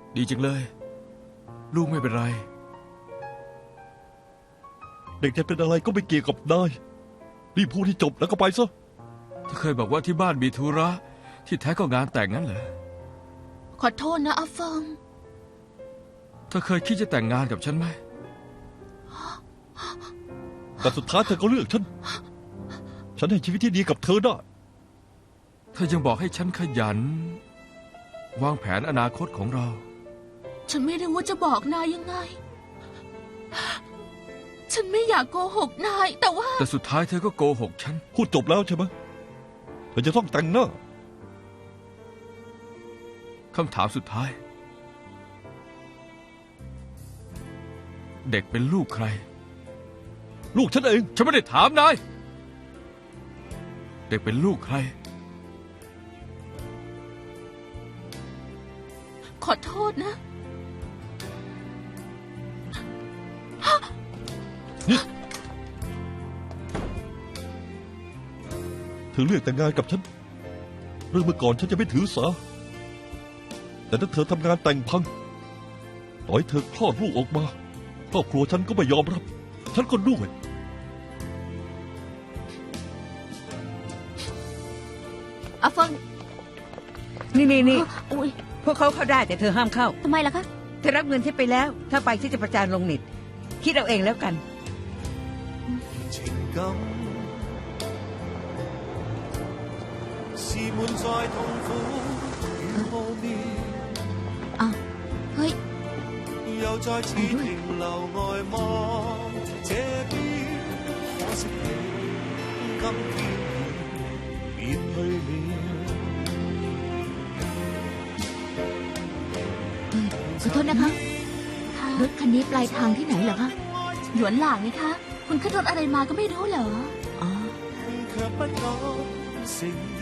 ดีจังเลยลูกไม่เป็นไรเด็กจะเป็นอะไรก็ไม่เกี่ยวกับนายรีบพูดที่จบแล้วก็ไปซะเธอเคยบอกว่าที่บ้านมีธุระที่แท้ก็งานแต่งงั้นเหรอขอโทษนะอาเฟิงเธอเคยคิดจะแต่งงานกับฉันไหมแต่สุดท้ายเธอก็เลือกฉันให้ชีวิตที่ดีกับเธอได้เธอยังบอกให้ฉันขยันวางแผนอนาคตของเราฉันไม่รู้ว่าจะบอกนายยังไงฉันไม่อยากโกหกนายแต่สุดท้ายเธอก็โกหกฉันพูดจบแล้วใช่ไหมเธอจะต้องแต่งหน้าคำถามสุดท้ายเด็กเป็นลูกใครลูกฉันเองฉันไม่ได้ถามนายเด็กเป็นลูกใครขอโทษนะนี่เธอเลือกแต่งงานกับฉันเรื่องเมื่อก่อนฉันจะไม่ถือสาแต่ถ้าเธอทำงานแต่งพังต่อให้เธอคลอดลูกออกมาครอบครัวฉันก็ไม่ยอมรับฉันก็ด้วยอาฟังนี่อุ๊ยพวกเขาเข้าได้แต่เธอห้ามเข้าทำไมล่ะคะเธอรับเงินที่ไปแล้วถ้าไปที่จะประจานลงเน็ตคิดเอาเองแล้วกันอ้าวเฮ้ย又再次停留外望這邊，可惜你今天已別去了。 ขอโทษนะคะรถคันนี้ปลายทางที่ไหนเหรอคะหยวนหลางไงคะคุณขึ้นรถอะไรมาก็ไม่รู้เหรออ๋อ